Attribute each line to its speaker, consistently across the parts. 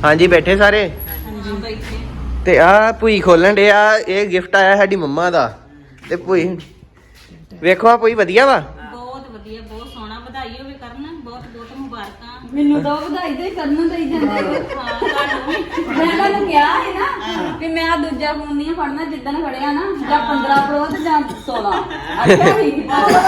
Speaker 1: ਹਾਂਜੀ ਬੈਠੇ ਸਾਰੇ ਤੇ ਆ ਭੂਈ ਖੋਲਣ ਡੇ ਆ। ਇਹ ਗਿਫਟ ਆਇਆ ਸਾਡੀ ਮੰਮਾ ਦਾ ਤੇ ਭੂਈ ਵੇਖੋ ਆ ਭੂਈ ਵਧੀਆ ਵਾ।
Speaker 2: ਬਹੁਤ ਵਧੀਆ, ਬਹੁਤ ਸੋਹਣਾ। ਵਧਾਈ ਹੋਵੇ ਕਰਨ, ਬਹੁਤ ਬਹੁਤ ਮੁਬਾਰਕਾਂ।
Speaker 3: ਮੈਨੂੰ ਤਾਂ ਵਧਾਈ ਦੇ ਕਰਨ ਦੇ ਜਾਂਦੇ
Speaker 2: ਹਾਂ ਤੁਹਾਨੂੰ ਵੀ।
Speaker 3: ਮੈਂ ਤੁਹਾਨੂੰ ਕਿਹਾ ਹੈ ਨਾ ਕਿ ਮੈਂ ਦੂਜਾ ਫੋਨ ਨਹੀਂ ਫੜਨਾ ਜਿੱਦਣ ਫੜਿਆ ਨਾ, ਜਾਂ 15 ਪ੍ਰੋ ਤੇ ਜਾਂ 16। ਅੱਛਾ ਠੀਕ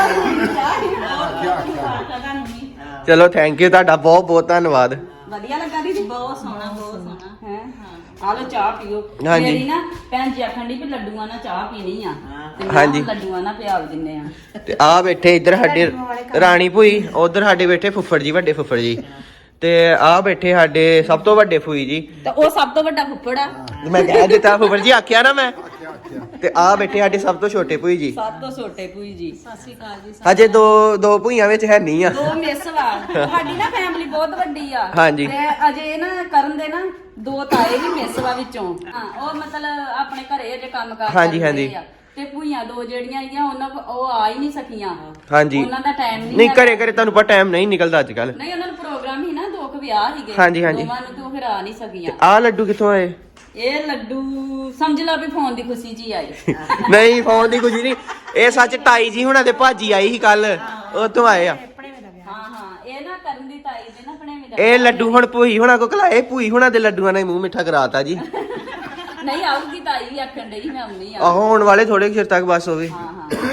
Speaker 2: ਮੁਬਾਰਕਾਂ ਤੁਹਾਨੂੰ ਵੀ।
Speaker 1: ਚਲੋ ਥੈਂਕ ਯੂ ਤੁਹਾਡਾ ਬਹੁਤ ਬਹੁਤ ਧੰਨਵਾਦ।
Speaker 3: ਵਧੀਆ ਲੱਗਾ ਦੀਦੀ।
Speaker 2: ਬਹੁਤ ਸੋਹਣਾ, ਬਹੁਤ ਸੋਹਣਾ।
Speaker 3: ਹੈ ਆ ਲੋ ਚਾਹ ਪੀਓ।
Speaker 1: ਹਾਂਜੀ।
Speaker 3: ਮੇਰੀ ਨਾ ਭੈਣ ਜੀ ਆਖਣ ਦੀ ਵੀ ਲੱਡੂਆਂ ਨਾਲ ਚਾਹ ਪੀਣੀ ਆ ਤੇ ਮੈਂ
Speaker 1: ਹਾਂਜੀ।
Speaker 3: ਲੱਡੂਆਂ ਨਾਲ ਪਿਆਲ ਦਿੰਨੇ ਆ।
Speaker 1: ਤੇ ਆ ਬੈਠੇ ਇੱਧਰ ਸਾਡੇ ਰਾਣੀ ਭੂਈ, ਉਧਰ ਸਾਡੇ ਬੈਠੇ ਫੁੱਫੜ ਜੀ, ਵੱਡੇ ਫੁੱਫੜ ਜੀ, ਤੇ ਆ ਬੈਠੇ ਸਾਡੇ ਸਭ ਤੋਂ ਵੱਡੇ ਫੂਈ ਜੀ।
Speaker 3: ਤੇ ਉਹ ਸਭ ਤੋਂ ਵੱਡਾ ਫੁੱਫੜ ਆ।
Speaker 1: ਮੈਂ ਕਹਿ ਦਿੱਤਾ ਫੁੱਫੜ ਜੀ ਆਖਿਆ ਨਾ ਮੈਂ। ਤੇ ਆ ਬੈਠੇ ਸਾਡੇ ਸਭ ਤੋਂ ਛੋਟੇ ਭੂਈ ਜੀ।
Speaker 3: ਸਭ ਤੋਂ ਛੋਟੇ ਭੂਈ ਜੀ।
Speaker 2: ਸਤਿ ਸ਼੍ਰੀ ਅਕਾਲ ਜੀ।
Speaker 1: ਅਜੇ ਦੋ ਭੂਈਆਂ ਵਿੱਚ ਹੈ ਨਹੀਂ ਆ।
Speaker 3: ਦੋ ਮਿਸ ਵਾ। ਸਾਡੀ ਨਾ ਫੈਮਿਲੀ ਬਹੁਤ ਵੱਡੀ ਆ।
Speaker 1: ਹਾਂਜੀ।
Speaker 3: ਤੇ ਅਜੇ ਨਾ ਕਰਨ ਦੇ ਨਾ ਦੋ ਤਾਏ ਵੀ ਮਿਸ ਵਾ ਵਿੱਚੋਂ। ਹਾਂ ਉਹ ਮਤਲਬ ਆਪਣੇ ਘਰੇ ਅਜੇ ਕੰਮ ਕਰ
Speaker 1: ਹਾਂਜੀ, ਹਾਂਜੀ।
Speaker 3: ਤੇ ਭੂਈਆਂ ਦੋ ਜਿਹੜੀਆਂ ਆਈਆਂ ਉਹ ਆ ਹੀ ਨਹੀਂ ਸਕੀਆਂ।
Speaker 1: ਹਾਂਜੀ।
Speaker 3: ਉਹਨਾਂ ਦਾ ਟਾਈਮ
Speaker 1: ਨਹੀਂ ਘਰੇ ਤੁਹਾਨੂੰ ਪਤਾ ਟਾਈਮ ਨਹੀਂ ਨਿਕਲਦਾ ਅੱਜ ਕੱਲ।
Speaker 3: ਨਹੀਂ ਉਹਨਾਂ ਨੂੰ ਪ੍ਰੋਗਰਾਮ ਹੀ ਨਾ, ਦੋ ਕੁ ਵਿਆਹ ਸੀਗੇ।
Speaker 1: ਹਾਂਜੀ, ਹਾਂਜੀ।
Speaker 3: ਦੋਵਾਂ ਨੂੰ ਤੇ ਉਹ ਫਿਰ ਆ ਨਹੀਂ ਸਕੀਆਂ।
Speaker 1: ਆ ਲੱਡੂ ਕਿੱਥੋਂ ਆਏ?
Speaker 3: ਇਹ ਲੱਡੂ ਸਮਝ ਲਾ ਵੀ ਫੋਨ ਦੀ ਖੁਸ਼ੀ ਜੀ ਆਈ।
Speaker 1: ਨਹੀਂ ਫੋਨ ਦੀ ਕੁਝ ਨਹੀਂ, ਇਹ ਸੱਚ ਤਾਈ ਜੀ ਹੁਣਾਂ ਦੇ ਭਾਜੀ ਆਈ ਸੀ ਕੱਲ, ਉਤੋਂ ਆਏ ਆ।
Speaker 3: ਹਾਂ ਹਾਂ ਇਹ ਨਾ ਕਰਨ ਦੀ ਤਾਈ ਦੇ ਨਾ ਭਣੇਵੀਂ ਦਾ।
Speaker 1: ਇਹ ਲੱਡੂ ਹੁਣ ਭੂਈ ਹੁਣਾਂ ਕੋ ਕਲਾਏ, ਭੂਈ ਹੁਣਾਂ ਦੇ ਲੱਡੂਆਂ ਨੇ ਮੂੰਹ ਮਿੱਠਾ ਕਰਾਤਾ ਜੀ।
Speaker 3: ਨਹੀਂ ਆਊਗੀ ਤਾਈ ਵੀ ਆਖਣ ਡਈ ਮੈਂ ਆਉਣੀ ਆ।
Speaker 1: ਆਹੋ ਹੋਣ ਵਾਲੇ ਥੋੜੇ ਚਿਰ ਤੱਕ ਬਸ ਹੋਵੇ।
Speaker 3: ਹਾਂ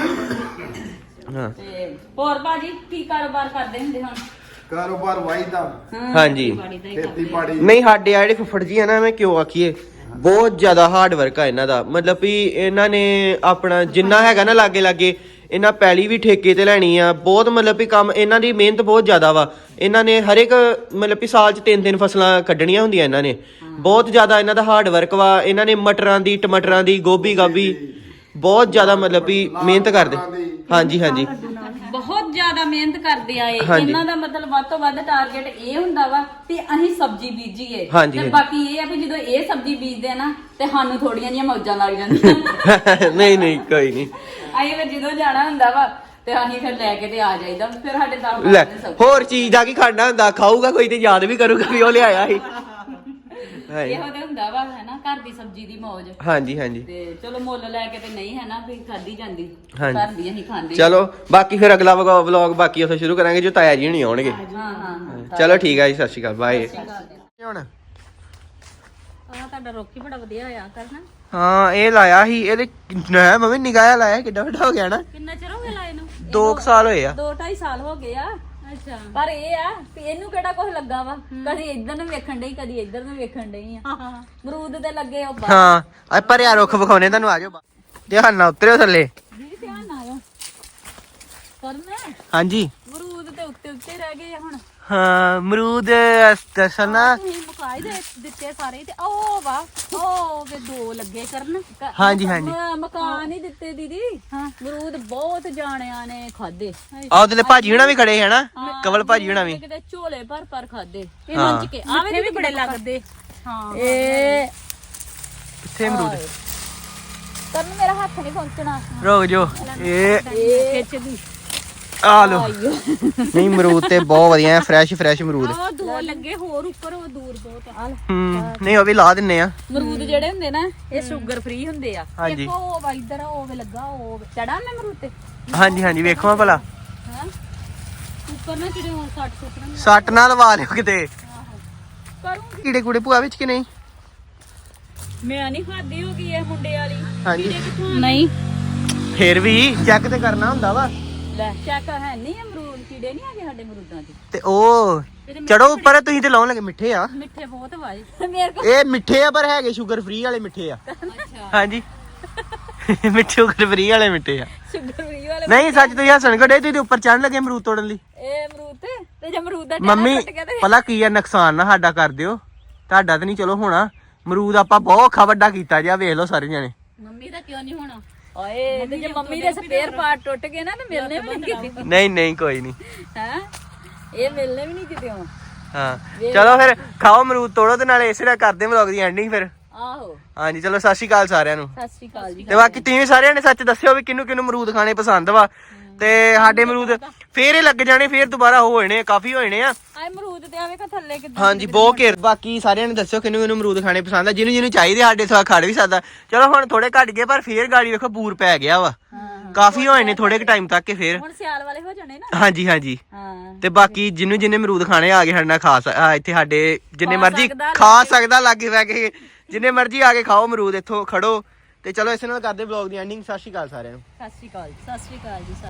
Speaker 3: ਹਾਂ
Speaker 1: ਹਾਂ
Speaker 3: ਤੇ ਹੋਰ ਬਾਜੀ ਕੀ ਕਾਰੋਬਾਰ ਕਰਦੇ ਹੁੰਦੇ ਹੁਣ?
Speaker 4: ਕਾਰੋਬਾਰ ਵਾਈਦਾ
Speaker 1: ਹਾਂਜੀ।
Speaker 4: ਖੇਤੀਬਾੜੀ
Speaker 1: ਨਹੀਂ ਸਾਡੇ ਆ ਜਿਹੜੇ ਫੁੱਫੜ ਜੀ ਆ ਨਾ, ਮੈਂ ਕਿਉਂ ਆਖੀਏ, ਬਹੁਤ ਜ਼ਿਆਦਾ ਹਾਰਡ ਵਰਕ ਆ ਇਹਨਾਂ ਦਾ। ਮਤਲਬ ਵੀ ਇਹਨਾਂ ਨੇ ਆਪਣਾ ਜਿੰਨਾ ਹੈਗਾ ਨਾ ਲਾਗੇ ਲਾਗੇ ਇਹਨਾਂ ਪੈਲੀ ਵੀ ਠੇਕੇ ਤੇ ਲੈਣੀ ਆ। ਬਹੁਤ ਮਤਲਬ ਵੀ ਕੰਮ ਇਹਨਾਂ ਦੀ ਮਿਹਨਤ ਬਹੁਤ ਜ਼ਿਆਦਾ ਵਾ। ਇਹਨਾਂ ਨੇ ਹਰ ਇੱਕ ਮਤਲਬ ਵੀ ਸਾਲ 'ਚ 3 ਫਸਲਾਂ ਕੱਢਣੀਆਂ ਹੁੰਦੀਆਂ ਇਹਨਾਂ ਨੇ। ਬਹੁਤ ਜ਼ਿਆਦਾ ਇਹਨਾਂ ਦਾ ਹਾਰਡ ਵਰਕ ਵਾ। ਇਹਨਾਂ ਨੇ ਮਟਰਾਂ ਦੀ, ਟਮਾਟਰਾਂ ਦੀ, ਗੋਭੀ ਗਾਭੀ ਬਹੁਤ ਜ਼ਿਆਦਾ ਮਤਲਬ ਵੀ ਮਿਹਨਤ ਕਰਦੇ। ਹਾਂਜੀ ਹਾਂਜੀ
Speaker 3: ਬਹੁਤ ਜ਼ਿਆਦਾ ਮਿਹਨਤ ਕਰਦੇ ਆ ਇਹ।
Speaker 1: ਹਾਂਜੀ।
Speaker 3: ਇਹਨਾਂ ਦਾ ਮਤਲਬ ਵੱਧ ਤੋਂ ਵੱਧ ਟਾਰਗੇਟ ਇਹ ਹੁੰਦਾ ਵਾ ਕਿ ਅਸੀਂ ਸਬਜ਼ੀ ਬੀਜੀਏ।
Speaker 1: ਹਾਂਜੀ,
Speaker 3: ਤੇ
Speaker 1: ਹਾਂਜੀ।
Speaker 3: ਬਾਕੀ ਇਹ ਆ ਵੀ ਜਦੋਂ ਇਹ ਸਬਜ਼ੀ ਬੀਜਦੇ ਆ ਨਾ ਤੇ ਸਾਨੂੰ ਥੋੜੀਆਂ ਜਿਹੀਆਂ ਮੌਜਾਂ ਲੱਗ ਜਾਂਦੀਆਂ।
Speaker 1: ਨਹੀਂ ਨਹੀਂ ਕੋਈ ਨਹੀਂ।
Speaker 3: ਅਸੀਂ ਫਿਰ ਜਦੋਂ ਜਾਣਾ ਹੁੰਦਾ ਵਾ ਤੇ ਅਸੀਂ ਫਿਰ ਲੈ ਕੇ ਤੇ ਆ ਜਾਈਦਾ। ਫਿਰ ਸਾਡੇ ਦਮ
Speaker 1: ਲੈ ਹੋਰ ਚੀਜ਼ ਦਾ ਕੀ ਖਾਣਾ ਹੁੰਦਾ, ਖਾਊਗਾ ਕੋਈ ਤੇ ਯਾਦ ਵੀ ਕਰੂਗਾ ਵੀ ਉਹ ਲਿਆਇਆ ਸੀ।
Speaker 3: ਇਹੋ ਤੇ ਹੁੰਦਾ ਵਾ ਹੈ ਨਾ, ਘਰ ਦੀ ਸਬਜ਼ੀ ਦੀ ਮੌਜ।
Speaker 1: ਹਾਂਜੀ ਹਾਂਜੀ
Speaker 3: ਤੇ ਚਲੋ ਮੁੱਲ ਲੈ ਕੇ ਤੇ ਨਹੀਂ ਹੈ ਨਾ ਵੀ ਖਾਦੀ ਜਾਂਦੀ।
Speaker 1: ਹਾਂਜੀ।
Speaker 3: ਘਰ ਦੀ ਅਸੀਂ ਖਾਂਦੇ।
Speaker 1: ਚਲੋ ਬਾਕੀ ਫਿਰ ਅਗਲਾ ਵਲੌਗ ਬਾਕੀ ਉੱਥੇ ਸ਼ੁਰੂ ਕਰਾਂਗੇ ਜੋ ਤਾਇਆ ਜੀ ਨਹੀਂ ਆਉਣਗੇ।
Speaker 3: ਹਾਂ ਹਾਂ
Speaker 1: ਚਲੋ ਠੀਕ ਆ ਜੀ, ਸਤਿ ਸ਼੍ਰੀ ਅਕਾਲ, ਬਾਏ। ਹੁਣ
Speaker 2: ਆ ਤੁਹਾਡਾ ਰੋਕੀ ਬੜਾ ਵਧੀਆ ਹੋਇਆ ਕਰਨਾ।
Speaker 1: ਹਾਂ ਇਹ ਲਾਇਆ ਸੀ ਇਹਦੇ ਨਾ ਮੰਮੀ ਨਿਗਾਹ ਲਾਇਆ, ਕਿੱਡਾ ਵੱਡਾ ਹੋ ਗਿਆ ਨਾ।
Speaker 2: ਕਿੰਨਾ ਚਿਰ ਹੋ ਗਿਆ ਲਾਏ ਨੂੰ?
Speaker 1: 2 ਸਾਲ ਹੋਏ ਆ।
Speaker 3: 2-2.5 ਸਾਲ ਹੋ ਗਏ ਆ।
Speaker 2: ਅੱਛਾ।
Speaker 3: ਪਰ ਇਹ ਆ ਵੀ ਇਹਨੂੰ ਕਿਹੜਾ ਕੁਝ ਲੱਗਾ ਵਾ। ਕਦੀ ਇੱਧਰ ਨੂੰ ਵੇਖਣ ਡਈ, ਕਦੀ ਇੱਧਰ ਨੂੰ ਵੇਖਣ ਡਈ ਆ। ਮਰੂਦ ਦੇ ਲੱਗੇ ਉਹ ਬਾਹਰ।
Speaker 1: ਹਾਂ ਆ ਭਰਿਆ ਰੁੱਖ ਵਿਖਾਉਣੇ ਤੁਹਾਨੂੰ, ਆ ਜਾਓ ਧਿਆਨ ਨਾਲ ਉਤਰਿਓ ਥੱਲੇ।
Speaker 3: ਦੀਦੀ ਧਿਆਨ ਨਾਲ ਕਰਨਾ।
Speaker 1: ਹਾਂਜੀ
Speaker 3: ਮਰੂਦ ਤੇ ਉੱਤੇ ਉੱਤੇ ਰਹਿ ਗਏ ਆ ਹੁਣ।
Speaker 1: ਹਾਂ ਅਮਰੂਦ ਦਰਸ਼ਨ ਨਾ।
Speaker 2: ਤੁਸੀਂ ਮੁਕਾਈ ਦੇ ਦਿੱਤੇ ਸਾਰੇ ਤੇ ਉਹ ਵਾ ਉਹ ਵੇ 2 ਲੱਗੇ ਕਰਨ।
Speaker 1: ਹਾਂਜੀ ਹਾਂਜੀ
Speaker 3: ਮਕਾਨ ਹੀ ਦਿੱਤੇ ਦੀਦੀ। ਹਾਂ ਮਰੂਦ ਬਹੁਤ ਜਾਣਿਆਂ ਨੇ ਖਾਦੇ।
Speaker 1: ਆਹ ਉਹਦੇ ਭਾਜੀ ਹੁਣਾ ਵੀ ਖੜੇ ਹੈ ਨਾ, ਕਵਲ ਭਾਜੀ ਹੁਣਾ ਵੀ।
Speaker 3: ਕਿਤੇ ਝੋਲੇ ਭਰ ਖਾਦੇ।
Speaker 2: ਇਹ ਮੰਚ ਕੇ ਆਵੇ ਵੀ ਬੜੇ ਲੱਗਦੇ। ਹਾਂ
Speaker 3: ਇਹ
Speaker 1: ਕਿੱਥੇ ਅਮਰੂਦ?
Speaker 3: ਕਰਨ ਮੇਰਾ ਹੱਥ ਨਹੀਂ ਪਹੁੰਚਣਾ।
Speaker 1: ਰੁਕ ਜੋ ਇਹ
Speaker 2: ਖਿੱਚਦੀ।
Speaker 1: ਆ ਲੋ। ਨਹੀਂ ਅਮਰੂਦ ਤੇ ਬਹੁਤ ਵਧੀਆ, ਫਰੈਸ਼ ਅਮਰੂਦ।
Speaker 2: ਉਹ 2 ਲੱਗੇ ਹੋਰ ਉੱਪਰ, ਉਹ ਦੂਰ ਬਹੁਤ ਆ।
Speaker 1: ਨਹੀਂ ਉਹ ਵੀ ਲਾ ਦਿੰਨੇ ਆ।
Speaker 3: ਮਰੂਦ ਜਿਹੜੇ ਹੁੰਦੇ ਨਾ ਇਹ ਸ਼ੂਗਰ ਫ੍ਰੀ ਹੁੰਦੇ ਆ।
Speaker 1: ਹਾਂਜੀ
Speaker 3: ਇੱਕ ਉਹ ਵਾ ਇੱਧਰ ਉਹ ਵੇ ਲੱਗਾ ਉਹ ਚੜਾ ਮੈਂ ਮਰੂਦ ਤੇ।
Speaker 1: ਹਾਂਜੀ ਹਾਂਜੀ ਵੇਖੋ ਭਲਾ
Speaker 3: ਹਾਂ
Speaker 2: ਉੱਪਰ ਨਾ ਜਿਹੜੇ 60 ਸੁੱਟਣ।
Speaker 1: ਸੱਟ ਨਾਲ ਲਵਾ ਲਿਓ ਕਿਤੇ।
Speaker 3: ਕਰੂੰਗੀ।
Speaker 1: ਕੀੜੇ ਕੂੜੇ ਭੂਆ ਵਿੱਚ ਕਿ ਨਹੀਂ?
Speaker 3: ਮੈਂ ਨਹੀਂ ਖਾਦੀ ਹੋ ਗਈ ਇਹ ਮੁੰਡੇ ਵਾਲੀ।
Speaker 1: ਹਾਂਜੀ
Speaker 3: ਨਹੀਂ
Speaker 1: ਫੇਰ ਵੀ ਚੈੱਕ ਤੇ ਕਰਨਾ ਹੁੰਦਾ ਵਾ।
Speaker 3: ਲੈ ਚੈੱਕ ਹੈ ਨਹੀਂ ਅਮਰੂਦ ਕੀੜੇ ਨਹੀਂ ਆਗੇ ਸਾਡੇ ਮਰੂਦਾਂ 'ਚ।
Speaker 1: ਤੇ ਉਹ ਚੜੋ ਉੱਪਰ, ਤੁਸੀਂ ਤੇ ਲਾਉਣ ਲੱਗੇ ਮਿੱਠੇ ਆ।
Speaker 2: ਮਿੱਠੇ ਬਹੁਤ ਵਾਏ।
Speaker 3: ਮੇਰੇ ਕੋਲ
Speaker 1: ਇਹ ਮਿੱਠੇ ਆ ਪਰ ਹੈਗੇ ਸ਼ੂਗਰ ਫ੍ਰੀ ਵਾਲੇ ਮਿੱਠੇ ਆ।
Speaker 2: ਅੱਛਾ।
Speaker 1: ਹਾਂਜੀ ਮਿੱਠੇ ਸ਼ੂਗਰ ਫ੍ਰੀ ਵਾਲੇ ਮਿੱਠੇ ਆ।
Speaker 3: ਸ਼ੂਗਰ ਫ੍ਰੀ ਵਾਲੇ।
Speaker 1: ਨਹੀਂ ਸੱਚ ਤੁਸੀਂ ਹੱਸਣ ਕੱਢੇ, ਤੁਸੀਂ ਉੱਪਰ ਚੜਨ ਲੱਗੇ ਅਮਰੂਦ ਤੋੜਨ ਲਈ।
Speaker 3: ਇਹ ਅਮਰੂਦ ਤੇ ਜੇ ਅਮਰੂਦ ਦਾ
Speaker 1: ਮੰਮੀ ਭਲਾ ਕੀ ਆ, ਨੁਕਸਾਨ ਨਾ ਸਾਡਾ ਕਰ ਦਿਓ। ਤੁਹਾਡਾ ਤਾਂ ਨਹੀਂ ਚਲੋ ਹੋਣਾ। ਅਮਰੂਦ ਆਪਾਂ ਬਹੁਤ ਔਖਾ ਵੱਡਾ ਕੀਤਾ ਜਿਆ, ਵੇਖ ਲਓ ਸਾਰੇ ਜਣੇ।
Speaker 2: ਮੰਮੀ ਦਾ ਕਿਉਂ ਨਹੀਂ ਹੋਣਾ?
Speaker 3: ਓਏ ਤੇ ਜੇ ਮੰਮੀ ਦੇ ਸਪੇਅਰ ਪਾਰਟ ਟੁੱਟ ਗਏ ਨਾ ਤੇ ਮਿਲਨੇ ਵੀ ਨਹੀਂ ਕਿਤੇ।
Speaker 1: ਨਹੀਂ ਨਹੀਂ ਕੋਈ ਨਹੀਂ।
Speaker 3: ਹੈ ਇਹ ਮਿਲਨੇ ਵੀ ਨਹੀਂ ਕਿਤੇ।
Speaker 1: ਹਾਂ ਚਲੋ ਫਿਰ ਖਾਓ ਅਮਰੂਦ ਤੋੜੋ ਤੇ ਨਾਲੇ ਇਸੇ ਨਾਲ ਕਰਦੇ ਵਲੌਗ ਦੀ ਐਂਡਿੰਗ ਫਿਰ।
Speaker 3: ਆਹੋ
Speaker 1: ਹਾਂਜੀ ਚਲੋ ਸਤਿ ਸ਼੍ਰੀ ਅਕਾਲ ਸਾਰਿਆਂ ਨੂੰ।
Speaker 3: ਸਤਿ ਸ਼੍ਰੀ ਅਕਾਲ ਜੀ।
Speaker 1: ਤੇ ਬਾਕੀ ਤੁਸੀਂ ਸਾਰਿਆਂ ਨੇ ਸੱਚ ਦੱਸਿਓ ਵੀ ਕਿਹਨੂੰ ਕਿਹਨੂੰ ਅਮਰੂਦ ਖਾਣੇ ਪਸੰਦ ਵਾ। ਤੇ ਸਾਡੇ ਅਮਰੂਦ ਫੇਰ ਇਹ ਲੱਗ ਜਾਣੇ, ਫੇਰ ਦੁਬਾਰਾ ਹੋ ਜਾਣੇ, ਕਾਫੀ ਹੋ ਜਾਣੇ ਆ।
Speaker 2: ਆਏ ਅਮਰੂਦ ਤੇ ਆਵੇ ਕਾ ਥੱਲੇ ਕਿੱਦਾਂ
Speaker 1: ਹਾਂਜੀ ਬਹੁਤ ਘੇਰ। ਬਾਕੀ ਸਾਰਿਆਂ ਨੇ ਦੱਸਿਓ ਕਿਹਨੂੰ ਕਿਹਨੂੰ ਅਮਰੂਦ ਖਾਣੇ ਪਸੰਦ ਆ, ਜਿਹਨੂੰ ਜਿਹਨੂੰ ਚਾਹੀਦੇ ਸਾਡੇ ਸਵਾ ਖੜ ਵੀ ਸਕਦਾ। ਚਲੋ ਹੁਣ ਥੋੜੇ ਘਟ ਗਏ ਪਰ ਫੇਰ ਗਾੜੀ ਵੇਖੋ ਬੂਰ ਪੈ ਗਿਆ ਵਾ, ਕਾਫੀ ਹੋਏ ਨੇ ਥੋੜੇ ਕੁ ਟਾਈਮ ਤੱਕ ਕੇ ਫੇਰ।
Speaker 2: ਹੁਣ ਸਿਆਲ ਵਾਲੇ ਹੋ ਜਾਣੇ ਨਾ।
Speaker 1: ਹਾਂਜੀ ਹਾਂਜੀ
Speaker 2: ਹਾਂ
Speaker 1: ਤੇ ਬਾਕੀ ਜਿਹਨੂੰ ਜਿਹਨੇ ਅਮਰੂਦ ਖਾਣੇ ਆ ਕੇ ਸਾਡੇ ਨਾਲ ਇੱਥੇ ਸਾਡੇ ਜਿੰਨੇ ਮਰਜ਼ੀ
Speaker 2: ਸਕਦਾ,
Speaker 1: ਖਾ ਸਕਦਾ ਲਾਗੇ ਬਹਿ ਕੇ, ਜਿੰਨੇ ਮਰਜ਼ੀ ਆ ਕੇ ਖਾਓ ਅਮਰੂਦ, ਇੱਥੋਂ ਖੜੋ। ਤੇ ਚਲੋ ਇਸੇ ਨਾਲ ਕਰਦੇ ਵਲੌਗ ਦੀ ਐਂਡਿੰਗ। ਸਤਿ ਸ਼੍ਰੀ ਅਕਾਲ ਸਾਰਿਆਂ ਨੂੰ।
Speaker 2: ਸਤਿ ਸ਼੍ਰੀ ਅਕਾਲ ਜੀ।